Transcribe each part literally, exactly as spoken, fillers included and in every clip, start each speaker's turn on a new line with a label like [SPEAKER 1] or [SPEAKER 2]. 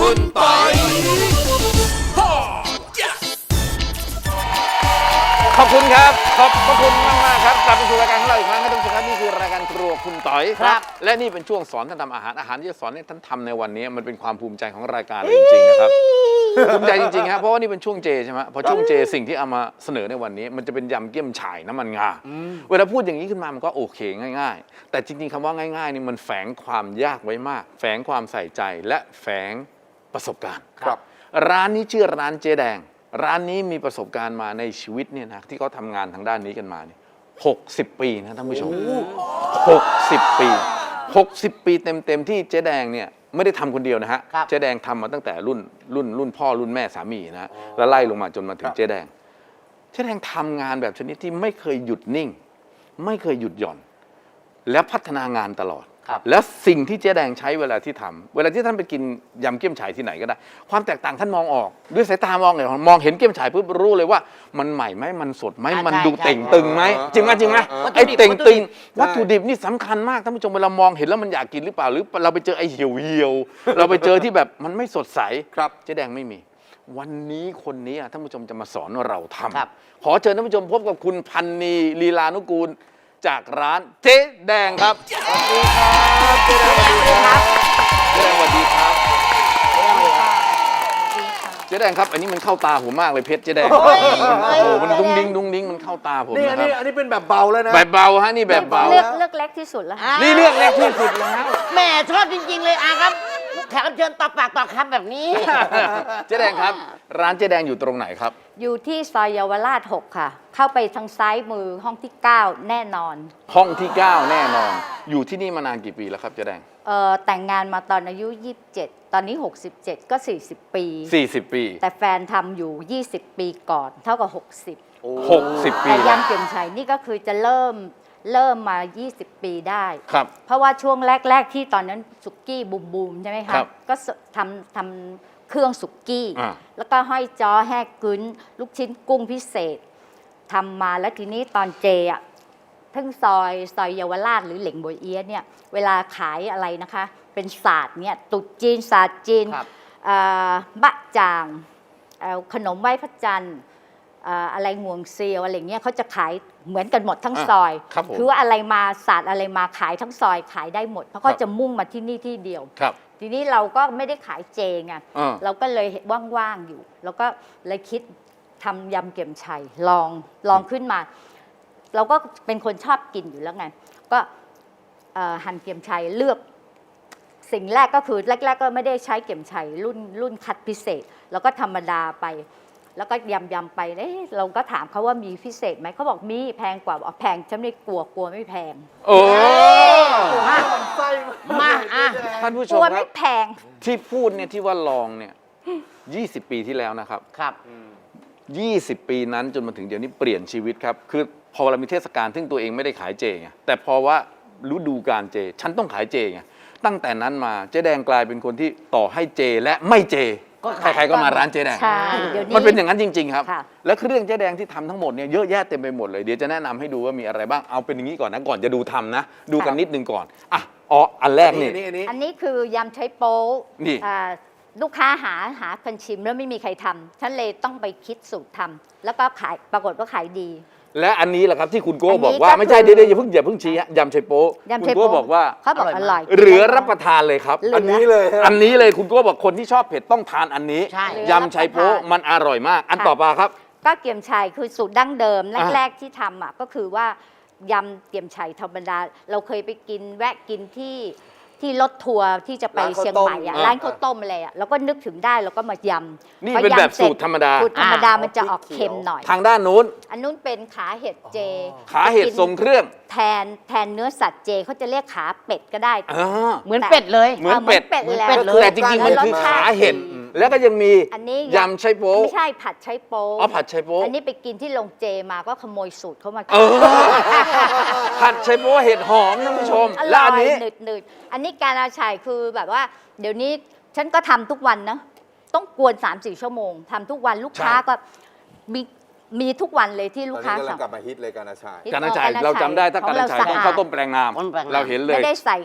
[SPEAKER 1] คุณปอยขอบคุณครับขอบพระคุณมากมากครับกลับมาสู่รายการของเราอีกครั้งครับท่านผู้ชมครับนี่คือรายการครัวคุณต๋อยครับและนี่เป็นช่วงสอนท่านทำอาหารอาหารที่จะสอนให้ท่านทำในวันนี้มันเป็นความภูมิใจของรายการเลยจริงๆนะครับภูมิใจจริงๆครับเพราะว่านี่เป็นช่วงเจใช่ไหมพอช่วงเจสิ่งที่เอามาเสนอในวันนี้มันจะเป็นยำเกี๊ยมฉ่ายน้ำมันงาเวลาพูดอย่างนี้ขึ้นมามันก็โอเคง่ายๆแต่จริงๆคำว่าง่ายๆนี่มันแฝงความยากไว้มากแฝงความใส่ใจและแฝงประสบการณ์ครับร้านนี้ชื่อร้านเจ๊แดงร้านนี้มีประสบการณ์มาในชีวิตเนี่ยนะที่เขาทำงานทางด้านนี้กันมาเนี่ยหกสิบปีนะท่านผู้ชมหกสิบปีหกสิบปีเต็มๆที่เจ๊แดงเนี่ยไม่ได้ทำคนเดียวนะฮะเจ๊แดงทำมาตั้งแต่รุ่นรุ่นรุ่นพ่อรุ่นแม่สามีนะฮะแล้วไล่ลงมาจนมาถึงเจ๊แดงเจ๊แดงทำงานแบบชนิดที่ไม่เคยหยุดนิ่งไม่เคยหยุดหย่อนและพัฒนางานตลอดแล้วสิ่งที่เจ๊แดงใช้เวลาที่ทำเวลาที่ท่านไปกินยำเกี๊ยมฉ่ายที่ไหนก็ได้ความแตกต่างท่านมองออกด้วยสายตามองเลยมองเห็นเกี๊ยมฉ่ายปุ๊บรู้เลยว่ามันใหม่ไหมมันสดไหมมันดูเต่งตึงไหมจริงไหมจริงไหมไอ้เต่งตึงวัตถุดิบนี่สำคัญมากท่านผู้ชมเวลามองเห็นแล้วมันอยากกินหรือเปล่าหรือเราไปเจอไอ้เหี่ยวเหี่ยวเราไปเจอที่แบบมันไม่สดใสครับเจ๊แดงไม่มีวันนี้คนนี้ท่านผู้ชมจะมาสอนเราทำขอเชิญท่านผู้ชมพบกับคุณพันนีลีลานุกูลจากร้านเจ๊แดงครับสวัสดีครับเจ๊แดงสวัสดีครับเจ๊แดงสวัสดีครับเจ๊แดงครับอันนี้มันเข้าตาผมมากเลยเพชรเจ๊แดงโอ้โหมันดุ้งดิ้งดุ้งดิ้งมันเข้าตาผมนะครับ
[SPEAKER 2] นี่อันนี้เป็นแบบเบาแล้วนะ
[SPEAKER 1] แบบเบาฮะนี่แบบเบา
[SPEAKER 3] เลือกเลือกเล็กที่สุดแล้ว
[SPEAKER 1] นี่เลือกเล็กที่สุดแล้ว
[SPEAKER 4] แหมชอบจริงๆเลยอาครับแขกรับเชิญต่อปากต่อคำแบบนี้
[SPEAKER 1] เจ๊แดงครับร้านเจ๊แดงอยู่ตรงไหนครับ
[SPEAKER 3] อยู่ที่ซอยเยาวราชหกค่ะเข้าไปทางซ้ายมือห้องที่เก้าแน่นอน
[SPEAKER 1] ห้องที่เก้าแน่นอนอยู่ที่นี่มานานกี่ปีแล้วครับเจ๊แดง
[SPEAKER 3] เอ่อแต่งงานมาตอนอายุยี่สิบเจ็ดตอนนี้หกสิบเจ็ดก็สี่สิบปี
[SPEAKER 1] สี่สิบปี
[SPEAKER 3] แต่แฟนทำอยู่ยี่สิบปีก่อนเท่ากับหกสิบ
[SPEAKER 1] หกสิบปี
[SPEAKER 3] แต่ยำเกี๊ยมฉ่ายนี่ก็คือจะเริ่มเริ่มมายี่สิบปีได้
[SPEAKER 1] ครับ
[SPEAKER 3] เพราะว่าช่วงแรกๆที่ตอนนั้นสุกี้บูมบูมใช่ไหมคะก็ทำทำเครื่องสุกี้แล้วก็ห้อยจ้อแห้กึ้นลูกชิ้นกุ้งพิเศษทำมาแล้วทีนี้ตอนเจอ่ะทั้งซอยซอยเยาวราชหรือเหล่งบวยเอี๊ยะเนี่ยเวลาขายอะไรนะคะเป็นศาสตร์เนี่ยตุ๊จีนศาสตร์จีนบะจ่างขนมไหว้พระจันทร์อะไรงวงเซียวอะไรเงี้ยเขาจะขายเหมือนกันหมดทั้งซอยคือว่าอะไรมาศาสตร์อะไรมาขายทั้งซอยขายได้หมดเพราะเขาจะมุ่งมาที่นี่ที่เดียวทีนี้เราก็ไม่ได้ขายเจไงเราก็เลยว่างๆอยู่แล้วก็เลยคิดทำยำเกี๊ยมฉ่ายลองลองขึ้นมาเราก็เป็นคนชอบกินอยู่แล้วไงก็หั่นเกี๊ยมฉ่ายเลือกสิ่งแรกก็คือแรกๆก็ไม่ได้ใช้เกี๊ยมฉ่ายรุ่นรุ่นคัดพิเศษแล้วก็ธรรมดาไปแล้วก็ยำยำไปเอ๊ะเราก็ถามเขาว่ามีพิเศษไหมเขาบอกมีแพงกว่าบอกแพงฉันไม่กลัวกลัวไม่แพง
[SPEAKER 1] โอ้
[SPEAKER 4] มามาอ่ะ
[SPEAKER 1] ท่านผู้ชม
[SPEAKER 3] กลัว
[SPEAKER 1] ไม่
[SPEAKER 3] แพง
[SPEAKER 1] ที่พูดเนี่ยที่ว่าลองเนี่ยยี่สิบปีที่แล้วนะครับ
[SPEAKER 4] ครับ
[SPEAKER 1] ยี่สิบปีนั้นจนมาถึงเดี๋ยวนี้เปลี่ยนชีวิตครับคือพอเรามีเทศกาลซึ่งตัวเองไม่ได้ขายเจไงแต่พอว่าฤดูกาลเจฉันต้องขายเจไงตั้งแต่นั้นมาเจ๊แดงกลายเป็นคนที่ต่อให้เจและไม่เจใครๆก็มาร้านเจ๊แดงมันเป็นอย่างนั้นจริงๆครับและเครื่องเจ๊แดงที่ทำทั้งหมดเนี่ยเยอะแยะเต็มไปหมดเลยเดี๋ยวจะแนะนำให้ดูว่ามีอะไรบ้างเอาเป็นอย่างนี้ก่อนนะก่อนจะดูทำนะดูกันนิดนึงก่อนอ่ะอ๋ออันแรกนี่
[SPEAKER 3] อันนี้คือยำใช้โป๊นี่ลูกค้าหาหาคนชิมแล้วไม่มีใครทำฉันเลยต้องไปคิดสูตรทำแล้วก็ขายปรากฏว่าขายดี
[SPEAKER 1] และอันนี้แหละครับที่คุณโก้บอกว่าไม่ใช่เดี๋ยวอย่าเพิ่งอย่าเพิ่งชี้ฮะยำไชโป๊คุณโก้บอกว่า
[SPEAKER 3] เขาบอกอร่อย
[SPEAKER 1] เหลือรับประทานเลยครับ
[SPEAKER 2] อันนี้เลย
[SPEAKER 1] อันนี้เลยคุณโก้บอกคนที่ชอบเผ็ดต้องทานอันนี้ยำไชโป๊มันอร่อยมากอันต่อมาครับ
[SPEAKER 3] ก็เกี๊ยมฉ่ายคือสูตรดั้งเดิมแรกๆที่ทำอ่ะก็คือว่ายำเกี๊ยมฉ่ายธรรมดาเราเคยไปกินแวะกินที่ที่รถทัวร์ที่จะไปเชียงใหม่อ่ะร้านข้าวต้มอะไรอ่ะแล้วก็นึกถึงได้แล้วก็มายำ
[SPEAKER 1] นี่เป็นแบบสูตรธรรมดา
[SPEAKER 3] สูตรธรรมดามันจะออกเค็มหน่อย
[SPEAKER 1] ทางด้านนู้น
[SPEAKER 3] อันนู้นเป็นขาเห็ดเจ
[SPEAKER 1] ขาเห็ดทรงเครื่อง
[SPEAKER 3] แทนแทนเนื้อสัตว์เจเขาจะเรียกขาเป็ดก็ได้
[SPEAKER 4] เหมือนเป็ดเลย
[SPEAKER 1] เหมือนเป็ด
[SPEAKER 3] เลย
[SPEAKER 1] แต่จริงๆมันคือขาเห็ดแล้วก็ยังมียำไชโป๊
[SPEAKER 3] ไม่ใช่ผัดไชโป๊
[SPEAKER 1] อ๋อผัดไชโป๊
[SPEAKER 3] อันนี้ไปกินที่โรงเจมาก็ขโมยสูตรเขามา
[SPEAKER 1] ผัดไชโป๊เห็ดหอมท่านผู้ชม
[SPEAKER 3] แล้วอันนี้หนืดๆอันนี้การอาชัยคือแบบว่าเดี๋ยวนี้ฉันก็ทำทุกวันนะต้องกวน สามสี่ ชั่วโมงทำทุกวันลูกค้าก็มีมีทุกวันเลยที่ลูกค้า
[SPEAKER 2] สั่งกลับมาฮิตเลยการอาชัย
[SPEAKER 1] การอาชัยเราจำได้ถ้าการอาชัยต้องข้าวต้มแปลงนามเราเห็นเลย
[SPEAKER 3] ไม่ได้ใส่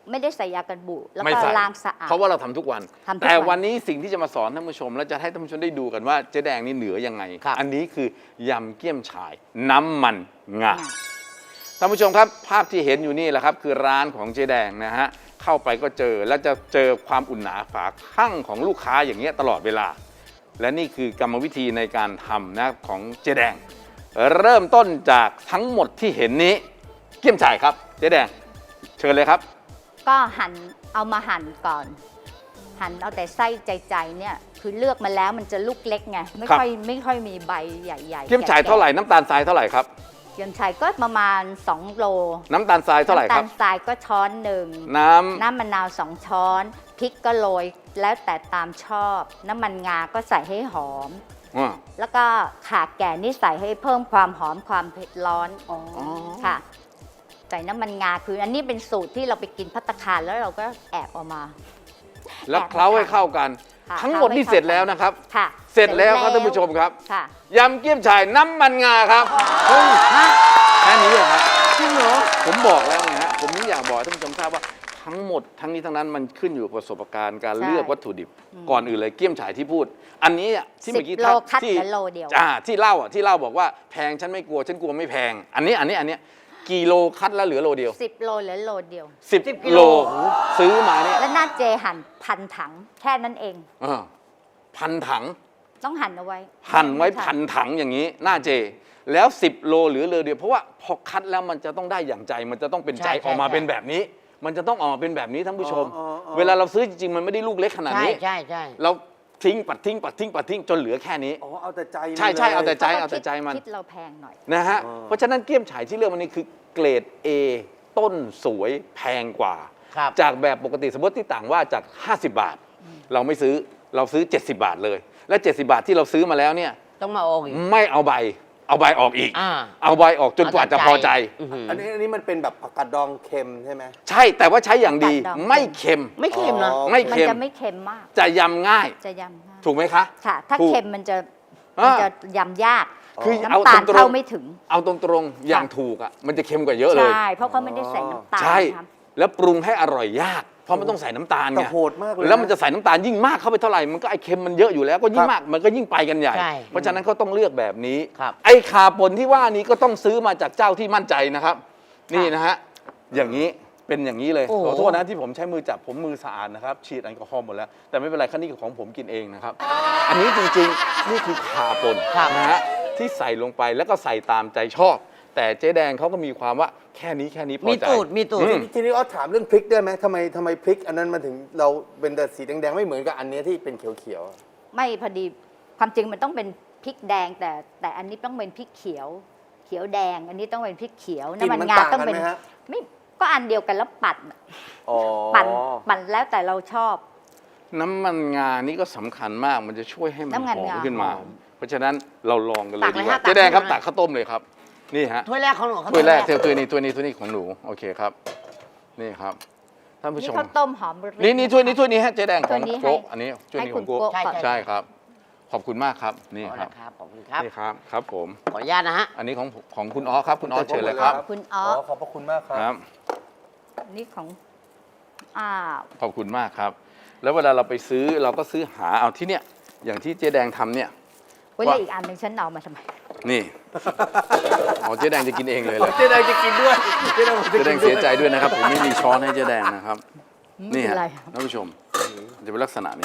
[SPEAKER 3] ไม่ได้ใส่ยากันบูดแล้ว
[SPEAKER 1] ไม่
[SPEAKER 3] ก็
[SPEAKER 1] ใส่
[SPEAKER 3] ล้างสะอาด
[SPEAKER 1] เพราะว่าเราทำทุกวัน
[SPEAKER 3] ทำทุกวัน
[SPEAKER 1] แต่วันนี้สิ่งที่จะมาสอนท่านผู้ชม และจะให้ท่านผู้ชมได้ดูกันว่าเจ๊แดงนี่เหนือยังไง
[SPEAKER 4] ครับ
[SPEAKER 1] อันนี้คือยำเกี๊ยมฉ่ายน้ำมันงาท่านผู้ชมครับภาพที่เห็นอยู่นี่แหละครับคือร้านของเจ๊แดงนะฮะเข้าไปก็เจอและจะเจอความอุ่นหนาฝาข้างของลูกค้าอย่างเงี้ยตลอดเวลา และนี่คือกรรมวิธีในการทำนะของเจ๊แดง เริ่มต้นจากทั้งหมดที่เห็นนี้เกี๊ยมฉ่ายครับเจ๊แดงเชิญเลยครับ
[SPEAKER 3] ก็หั่นเอามาหั่นก่อน หั่นเอาแต่ไส้ใจๆเนี่ยคือเลือกมาแล้วมันจะลูกเล็กไงไม่
[SPEAKER 1] ครับ
[SPEAKER 3] ค่อยไม่ค่อยมีใบใหญ่ๆ
[SPEAKER 1] เกี๊ยมฉ่ายเท่าไหร่น้ำตาลทรายเท่าไหร่ครับ
[SPEAKER 3] เกี๊ยมฉ่ายก็ประมาณสองโล
[SPEAKER 1] น้ำตาลทรายเท่าไหร่
[SPEAKER 3] น้ำ
[SPEAKER 1] ค
[SPEAKER 3] ตา
[SPEAKER 1] รับ
[SPEAKER 3] ลทรายก็ช้อนหนึ่ง
[SPEAKER 1] น้ำ
[SPEAKER 3] น้ำมะนาวสองช้อนพริกก็โรยแล้วแต่ตามชอบ น้ำมันงาก็ใส่ให้หอม
[SPEAKER 1] อ่า
[SPEAKER 3] แล้วก็ข่าแก่นี่ใส่ให้เพิ่มความหอมความเผ็ดร้อนค่ะ ใส่น้ำมันงาคืออันนี้เป็นสูตรที่เราไปกินภัตตาคารแล้วเราก็แอบเอามา
[SPEAKER 1] แล้วเคล้าให้เข้ากัน
[SPEAKER 3] ค่ะ
[SPEAKER 1] ทั้งหมดนี่เสร็จแล้วนะครับ
[SPEAKER 3] ค่ะ
[SPEAKER 1] เสร็จแล้วครับท่านผู้ชมครับ
[SPEAKER 3] ค่ะ
[SPEAKER 1] ยำเกี๊ยมฉ่ายน้ำมันงาครับเฮ้ยแค่นี้เลยครับ
[SPEAKER 4] จริงเหรอ
[SPEAKER 1] ผมบอกแล้วไงฮะผมนี่อยากบอกให้ท่านผู้ชมทราบว่าทั้งหมดทั้งนี้ทั้งนั้นมันขึ้นอยู่กับประสบการณ์การ
[SPEAKER 3] ใช่
[SPEAKER 1] เลือกวัตถุดิบ ก่อนอื่นเลยเกี๊ยมฉ่ายที่พูด อันนี้อ่ะที่
[SPEAKER 3] สิ
[SPEAKER 1] เมื่
[SPEAKER 3] บ
[SPEAKER 1] อกี้
[SPEAKER 3] โลคัด
[SPEAKER 1] ที่
[SPEAKER 3] เหลือโลเดียว
[SPEAKER 1] อ่าที่เล่าอ่ะที่เล่าบอกว่าแพงฉันไม่กลัวฉันกลัวไม่แพง อันนี้อันนี้อันเนี้ยกี่โลคัดแล้วเหลือโลเดียว
[SPEAKER 3] สิบโลเหลือโลเดียว
[SPEAKER 1] สิบ
[SPEAKER 4] กิโล
[SPEAKER 1] โลซื้อมาเนี่ย
[SPEAKER 3] และหน้าเจหั่นพันถังแค่นั้นเอง
[SPEAKER 1] เออพันถัง
[SPEAKER 3] ต้องหั่นเอาไว้
[SPEAKER 1] หั่นไว้พันถังอย่างนี้หน้าเจ แล้วสิบโลหรือเลอเดียวเพราะว่าพอคัดแล้วมันจะต้องได้อย่างใจมันจะต้องเป็นใจ
[SPEAKER 4] ใช่ใช่
[SPEAKER 1] ออกมา
[SPEAKER 4] ใช่
[SPEAKER 1] เป็นแบบนี้ มันจะต้องออกมาเป็นแบบนี้ท่านผู้ชม
[SPEAKER 2] อ๋ออ๋ออ๋อ
[SPEAKER 1] เวลาเราซื้อจริงๆมันไม่ได้ลูกเล็กขนาด
[SPEAKER 4] ใช่
[SPEAKER 1] นี้
[SPEAKER 4] ใช่ใช่
[SPEAKER 1] เราทิ้งปัดทิ้งปัดทิ้งปัดทิ้งจนเหลือแค่นี้
[SPEAKER 2] อ๋อเอาแต่ใจ
[SPEAKER 1] ใช่ใช่
[SPEAKER 2] ลย
[SPEAKER 1] เอาแต่ใจ
[SPEAKER 3] พระว่
[SPEAKER 1] เอาแต่ใจมัน
[SPEAKER 3] คิดเราแพงหน่อย
[SPEAKER 1] นะฮะ
[SPEAKER 2] อ๋อ
[SPEAKER 1] เพราะฉะนั้นเกี๊ยมฉ่ายที่เลือกวันนี้คือเกรด A ต้นสวยแพงกว่า
[SPEAKER 4] ครับ
[SPEAKER 1] จากแบบปกติสมมติที่ต่างว่าจาก ห้าสิบบาท เราไม่ซื้อเราซื้อ เจ็ดสิบบาทเลย และ เจ็ดสิบบาทที่เราซื้อมาแล้วเนี่ย
[SPEAKER 4] ต้องมาโอกอีก
[SPEAKER 1] ไม่เอาใบ เอาใบออกอีก
[SPEAKER 4] อ่า
[SPEAKER 1] เอาใบออกจนกว่าจะพอใจ
[SPEAKER 4] อื้อหือ
[SPEAKER 2] อันนี้อันนี้มันเป็นแบบผักกาดดองเค็มใช่ไหม
[SPEAKER 1] ใช่ แต่ว่าใช้อย่างดี
[SPEAKER 3] ผักกาดดอง
[SPEAKER 1] ไม่เค็ม
[SPEAKER 4] ไม่เค็มนะ
[SPEAKER 2] อ๋อ
[SPEAKER 1] ไม่
[SPEAKER 3] มัน
[SPEAKER 1] เค็ม
[SPEAKER 3] จะไม่เค็มมาก
[SPEAKER 1] จะยำง่าย
[SPEAKER 3] จะยำง่าย
[SPEAKER 1] ถูกไหมคะ
[SPEAKER 3] ค่ะ ถ้า
[SPEAKER 1] ถูก
[SPEAKER 3] เค็มมันจะ
[SPEAKER 1] อ่ามั
[SPEAKER 3] มันจะยำยาก
[SPEAKER 1] คือเอา
[SPEAKER 3] น้ำตาล
[SPEAKER 1] ตรงๆ
[SPEAKER 3] เข้าไม่ถึง
[SPEAKER 1] เอาตรงๆ อย่างถูกอ่ะ มันจะเค็มกว่าเยอะเลย
[SPEAKER 3] ใช่ เพราะเขาไม่ได้ใส่น้ำตาล
[SPEAKER 1] ใช่
[SPEAKER 3] ครับ
[SPEAKER 1] แล้วปรุงให้อร่อยยาก เพราะมันต้องใส่น้ำตาล
[SPEAKER 2] แต่
[SPEAKER 1] ไง
[SPEAKER 2] โหดมากเลย
[SPEAKER 1] แล้วมันจะใส่น้ำตาลยิ่งมากเข้าไปเท่าไหร่ มันก็ไอเค็มมันเยอะอยู่แล้ว ก็ยิ่งมาก มันก็ยิ่งไปกันใหญ่
[SPEAKER 4] ใช่
[SPEAKER 1] เพราะฉะนั้นเขาต้องเลือกแบบนี้
[SPEAKER 4] ครับ
[SPEAKER 1] ไอ้ขาปนที่ว่านี้ก็ต้องซื้อมาจากเจ้าที่มั่นใจนะครับ นี่นะฮะ อย่างนี้ เป็นอย่างนี้เลย
[SPEAKER 4] โอ้โห
[SPEAKER 1] ขอโทษนะที่ผมใช้มือจับผมมือสะอาดนะครับ ฉีดแอลกอฮอล์หมดแล้ว แต่ไม่เป็นไรคันนี้ของผมกินเองนะครับ อันนี้จริงๆ นี่คือขาปน
[SPEAKER 4] ครับ
[SPEAKER 1] นะฮะ ที่ใส่ลงไปแล้วก็ใส่ตามใจชอบ แต่เจ๊แดงเขาก็มีความว่าแค่นี้แค่นี้พอ
[SPEAKER 4] มี
[SPEAKER 1] ใจ
[SPEAKER 4] ตูดมีตูด
[SPEAKER 1] อืม
[SPEAKER 2] ทีนี้อ้อถามเรื่องพริกได้ไหมทำไมทำไมพริก อันนั้นมันถึงเราเป็นแต่สีแดงๆไม่เหมือนกับอันเนี้ยที่เป็นเขียวๆอะ
[SPEAKER 3] ไม่พอดีความจริงมันต้องเป็นพริกแดง แต่แต่อันนี้ต้องเป็นพริกเขียว เขียวแดง อันนี้ต้องเป็นพริกเขียว
[SPEAKER 2] กลิ่น
[SPEAKER 3] น้ำมัน
[SPEAKER 2] มัน
[SPEAKER 3] งา
[SPEAKER 2] ต่าง
[SPEAKER 3] ต้อง
[SPEAKER 2] กัน
[SPEAKER 3] เป็น
[SPEAKER 2] ไหมฮะ
[SPEAKER 3] ไม่ก็อันเดียวกันแล้วปั่น
[SPEAKER 2] อ๋อ
[SPEAKER 3] ปั่นปั่นแล้วแต่เราชอบ
[SPEAKER 1] น้ำมันงานี่ก็สำคัญมาก มันจะช่วยให้มัน
[SPEAKER 3] น้ำมัน
[SPEAKER 1] หอม
[SPEAKER 3] งา
[SPEAKER 1] ขึ้นมา
[SPEAKER 3] หอม
[SPEAKER 1] เพราะฉะนั้นเราลองกันเลย
[SPEAKER 4] ตัก
[SPEAKER 1] ดี
[SPEAKER 4] เลย
[SPEAKER 1] กว่า
[SPEAKER 4] ฮะตัก
[SPEAKER 1] เจ๊แดงครับ
[SPEAKER 4] ให้หน่อย
[SPEAKER 1] ตักข้าวต้มเลยครับ นี่ฮะ
[SPEAKER 4] ถ้วยแรกของหนูครับ
[SPEAKER 1] ถ้วยแรก
[SPEAKER 4] ถ้
[SPEAKER 1] ถ้วยนี้ถ้วยนี้ถ้วยนี้ของหนู โอเคครับ นี่ครับ ท่านผู้ช
[SPEAKER 3] นี่
[SPEAKER 1] ม
[SPEAKER 3] ข้าวต้มหอมมะลิ
[SPEAKER 1] นี่นี่ถ้วยนี้ถ้วยนี้ฮะเจ๊แดงข
[SPEAKER 3] ถ้
[SPEAKER 1] อ
[SPEAKER 3] ว
[SPEAKER 1] ง
[SPEAKER 3] ยนี้
[SPEAKER 1] โก๊ก
[SPEAKER 3] ให้
[SPEAKER 1] อันนี้ถ้วย
[SPEAKER 3] ให้
[SPEAKER 1] นี้ข
[SPEAKER 3] คุ
[SPEAKER 1] อง
[SPEAKER 3] ณ
[SPEAKER 1] โก๊ก
[SPEAKER 3] โก๊กก่อน
[SPEAKER 1] ใช่ครับ ขอบคุณมากครับ นี่
[SPEAKER 4] เอา
[SPEAKER 1] ครับ
[SPEAKER 4] ละครับขอบคุณครับ
[SPEAKER 1] นี่ครับ ครับผม
[SPEAKER 4] ขออนุญาตนะฮะ
[SPEAKER 1] อันนี้ของของคุณอ๋อครับ คุณอ๋อเชิญเลยครับ
[SPEAKER 3] คุณอ๋อ
[SPEAKER 2] ขอบพระคุณมากครับ
[SPEAKER 1] ครับ
[SPEAKER 3] นี่ของอ้าว
[SPEAKER 1] ขอบคุณมากครับ แล้วเวลาเราไปซื้อเราก็ซื้อหาเอาที่เนี่ย อย่างที่เจ๊แดงทำเนี่ย
[SPEAKER 3] เว้ยแล้วอีกอันหนึ่งฉันเอามาทำไม
[SPEAKER 1] นี่ อ๋อเจ๊แดงจะกินเองเลยเหรอ
[SPEAKER 2] เจ๊แดงจะกินด้วยเจ๊แดงจะ
[SPEAKER 1] เจ๊
[SPEAKER 2] กิน
[SPEAKER 1] แดง
[SPEAKER 2] ด้ว
[SPEAKER 1] เสียใจด้วยนะครับ ผมไม่มีช้อนให้เจ๊แดงนะครับ
[SPEAKER 3] ไม่
[SPEAKER 1] นี่
[SPEAKER 3] เป็น
[SPEAKER 1] ฮะ
[SPEAKER 3] ไร
[SPEAKER 1] ท่านผู้ชมจะเป็นลักษณะนี้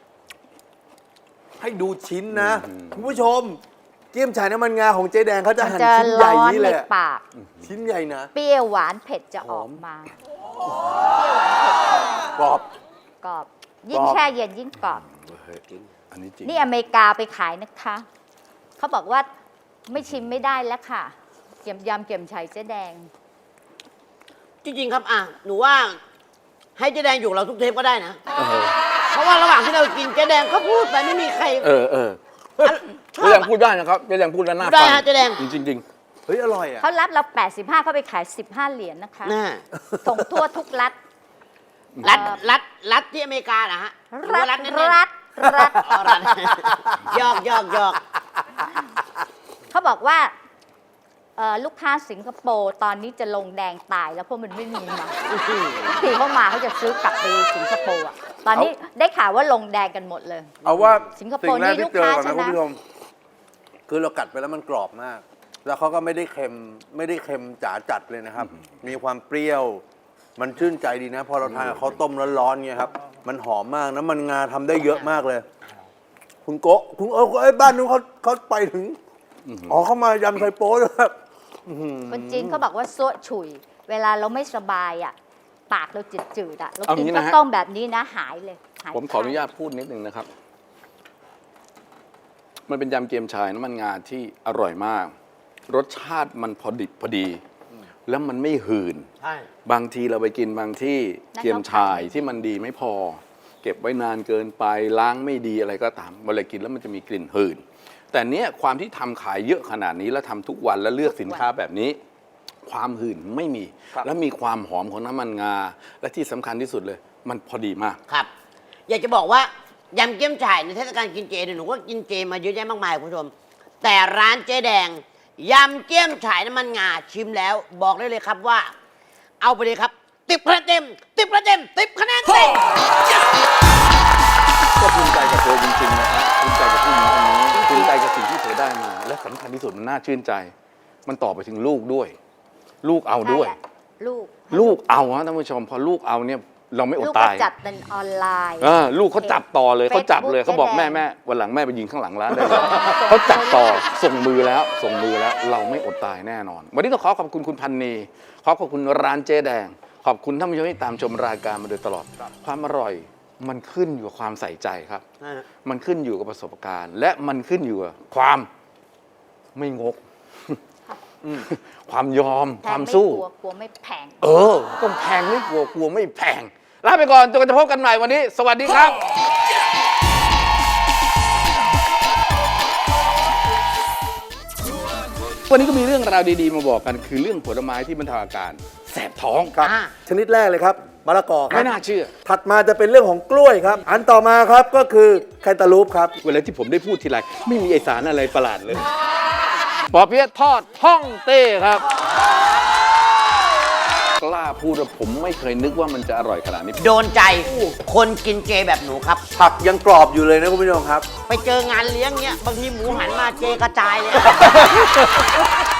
[SPEAKER 2] ให้ดูชิ้นนะคุณผู้ชม เกี๊ยมฉ่ายน้ำมันงาของเจ๊แดงเขาจะ
[SPEAKER 3] มัน
[SPEAKER 2] หั่น
[SPEAKER 3] จะ
[SPEAKER 2] ชิ้นใหญ่
[SPEAKER 3] ร้อน
[SPEAKER 2] นี่
[SPEAKER 3] ใน
[SPEAKER 2] เลยอะ
[SPEAKER 3] ปาก
[SPEAKER 2] ชิ้นใหญ่นะ
[SPEAKER 3] เปรี้ยวหวานเผ็ดจะออกมา
[SPEAKER 2] กรอบ
[SPEAKER 3] กรอบ ยิ่ง
[SPEAKER 2] กรอบ
[SPEAKER 3] แช่เย็นยิ่งกรอบ
[SPEAKER 1] อันนี้จริง
[SPEAKER 3] นี่อเมริกาไปขายนะคะ เขาบอกว่าไม่ชิมไม่ได้แล้วค่ะ เกี่ยมยำเกี่ยมชัยเจ๊แดง
[SPEAKER 4] จริงๆครับอ่ะหนูว่าให้เจ๊แดงอยู่กับเราทุกเทปก็ได้นะ
[SPEAKER 1] เออ
[SPEAKER 4] เพราะว่าระหว่างที่เรากินเจ๊แดงก็พูดไปไม่มีใคร
[SPEAKER 1] เออเออ
[SPEAKER 4] ชอ
[SPEAKER 1] เจ๊
[SPEAKER 4] บ
[SPEAKER 1] แดง
[SPEAKER 4] อะ
[SPEAKER 1] พูดได้นะครับเจ๊แดงพูดแล้วน่า
[SPEAKER 4] พูดได้
[SPEAKER 1] ฟัง
[SPEAKER 4] ฮะเจ๊แดง
[SPEAKER 1] จริงจริง
[SPEAKER 2] เฮ้ย อร่อยอ่ะ
[SPEAKER 3] เขารับเราแปดสิบห้าเขาไปขายสิบห้าเหรียญนะคะ
[SPEAKER 4] น่า
[SPEAKER 3] ส่งทั่วทุกรัฐ
[SPEAKER 4] รัฐรัฐรัฐที่อเมริกานะฮะหรือว่ารัฐแน่นๆ
[SPEAKER 3] รัฐรัฐ
[SPEAKER 4] อ๋อรัฐ หยอกหยอกหยอก
[SPEAKER 3] เขาบอกว่าเอ่อลูกค้าสิงคโปร์ตอนนี้จะลงแดงตายแล้วเพราะมันไม่มีมาทีเขามาเขาจะซื้อกลับไปสิงคโปร์อ่ะตอนนี้ได้ข่าวว่าลงแดงกันหมดเลย
[SPEAKER 2] เอาว่า
[SPEAKER 3] สิงคโปร์
[SPEAKER 2] สิ่งแรก
[SPEAKER 3] นี่
[SPEAKER 2] ที่
[SPEAKER 3] ลูก
[SPEAKER 2] เจอ
[SPEAKER 3] ค้า
[SPEAKER 2] ก่อน
[SPEAKER 3] ช
[SPEAKER 2] นะ
[SPEAKER 3] นะ
[SPEAKER 2] คุณผู้ชมคือเรากัดไปแล้วมันกรอบมาก แล้วเขาก็ไม่ได้เค็มไม่ได้เค็มจ๋าจัดเลยนะครับ มีความเปรี้ยว มันชื่นใจดีนะ พอเราทานกับข้าวต้มร้อนๆเนี่ยครับ มันหอมมากน้ำมันงาทำได้เยอะมากเลย คุณโกะคุณเออไอ้ยบ้านนู้นเขาเขาไปถึงอ๋อเขามายำไทโป้ด้วยครับ
[SPEAKER 3] คนจีนเขาบอกว่าซัวฉุย เวลาเราไม่สบายอ่ะปากเราจืดๆอ่ะเรา
[SPEAKER 1] เอา
[SPEAKER 3] กิน
[SPEAKER 1] งี้
[SPEAKER 3] ข้า
[SPEAKER 1] นะ
[SPEAKER 3] ว
[SPEAKER 1] ฮะ
[SPEAKER 3] ต้มแบบนี้นะหายเลยหาย
[SPEAKER 1] ผมขออนุญาตพูดนิดนึงนะครับ มันเป็นยำเกี๊ยมชายน้ำมันงาที่อร่อยมาก รสชาติมันพอดิบพอดี แล้วมันไม่หืน
[SPEAKER 4] ใช่
[SPEAKER 1] บางทีเราไปกินบางที่เกี๊ยมชายที่มันดีไม่พอ เก็บไว้นานเกินไปล้างไม่ดีอะไรก็ตามเวลากินแล้วมันจะมีกลิ่นหืน แต่เนี้ยความที่ทำขายเยอะขนาดนี้แล้วทำทุกวันแล้วเลือกสินค้าแบบนี้ ความหื่นไม่มี แล้วมีความหอมของน้ำมันงา และที่สำคัญที่สุดเลย มันพอดีมาก
[SPEAKER 4] ครับ อยากจะบอกว่ายำเกี๊ยมฉ่ายในเทศกาลกินเจเนี่ยหนูก็กินเจมาเยอะแยะมากมายคุณผู้ชม แต่ร้านเจ๊แดงยำเกี๊ยมฉ่ายน้ำมันงาชิมแล้ว บอกได้เลยครับว่า เอาไปเลยครับติบคะแนนเต็มติบคะแนนเต็มติบคะแนนเต็ม
[SPEAKER 1] ก็ภูมิใจกับเธอจริงๆนะครับภูมิใจกับผู้หญิงคนนี้ภูมิใจกับสิ่งที่เธอได้มา และสำคัญที่สุดมันน่าชื่นใจ มันต่อไปถึงลูกด้วย ลูกเอาด้วย
[SPEAKER 3] ใช่แหละลูก
[SPEAKER 1] ลูกเอาฮะท่านผู้ชมพอลูกเอาเนี่ยเราไม่อ
[SPEAKER 3] ลู
[SPEAKER 1] ด
[SPEAKER 3] กก็
[SPEAKER 1] ตาย
[SPEAKER 3] จัดเป็นออนไลน์
[SPEAKER 1] เออลูกเขาจับต่อเลยเขาจับเลย
[SPEAKER 3] Facebook
[SPEAKER 1] เขาบอก
[SPEAKER 3] เจ๊
[SPEAKER 1] แม่
[SPEAKER 3] แดง
[SPEAKER 1] แม่วันหลังแม่ไปยิงข้างหลังร้านได้เลยเขาจับต่อส่งมือแล้วส่งมือแล้วเราไม่อดตายแน่นอน วันนี้ต้องขอขอบคุณคุณพันนีขอขอบคุณร้านเจ๊แดง ขอบคุณท่านผู้ชมที่ตามชมรายการมาโดยตลอด ความอร่อยมันขึ้นอยู่กับความใส่ใจครับ มันขึ้นอยู่กับประสบการณ์ และมันขึ้นอยู่กับความไม่งก ความยอม
[SPEAKER 3] แพ
[SPEAKER 1] ควาง ม
[SPEAKER 3] ไม่
[SPEAKER 1] สู้
[SPEAKER 3] กลัวกลัวไม่แพง
[SPEAKER 1] เออก็แพงไม่กลัวกลัวไม่แพงลาไปก่อนจนกว่าจะพบกันใหม่วันนี้ สวัสดีครับ วันนี้ก็มีเรื่องราวดีๆ มาบอกกันคือเรื่องผลไม้ที่บรรเทาอาการแสบท้อง
[SPEAKER 2] ครับ
[SPEAKER 4] อ่า
[SPEAKER 2] ชนิดแรกเลยครับมะละกอครั
[SPEAKER 1] ไม่
[SPEAKER 2] บ
[SPEAKER 1] น่าเชื่อ
[SPEAKER 2] ถัดมาจะเป็นเรื่องของกล้วยครับ อันต่อมาครับก็คือแคนตาลูปครับ
[SPEAKER 1] เวลาที่ผมได้พูดทีไรไม่มีไอสารอะไรประหลาดเลยปอเปี๊ยะทอดฮ่องเต้ครับ กล้าพูดว่าผมไม่เคยนึกว่ามันจะอร่อยขนาดนี้
[SPEAKER 4] โดนใจคนกินเจแบบหนูครับ
[SPEAKER 2] ผักยังกรอบอยู่เลยนะคุณผู้ชมครับ
[SPEAKER 4] ไปเจองานเลี้ยงเนี้ยบางทีหมูหันมาเจกระจายเลย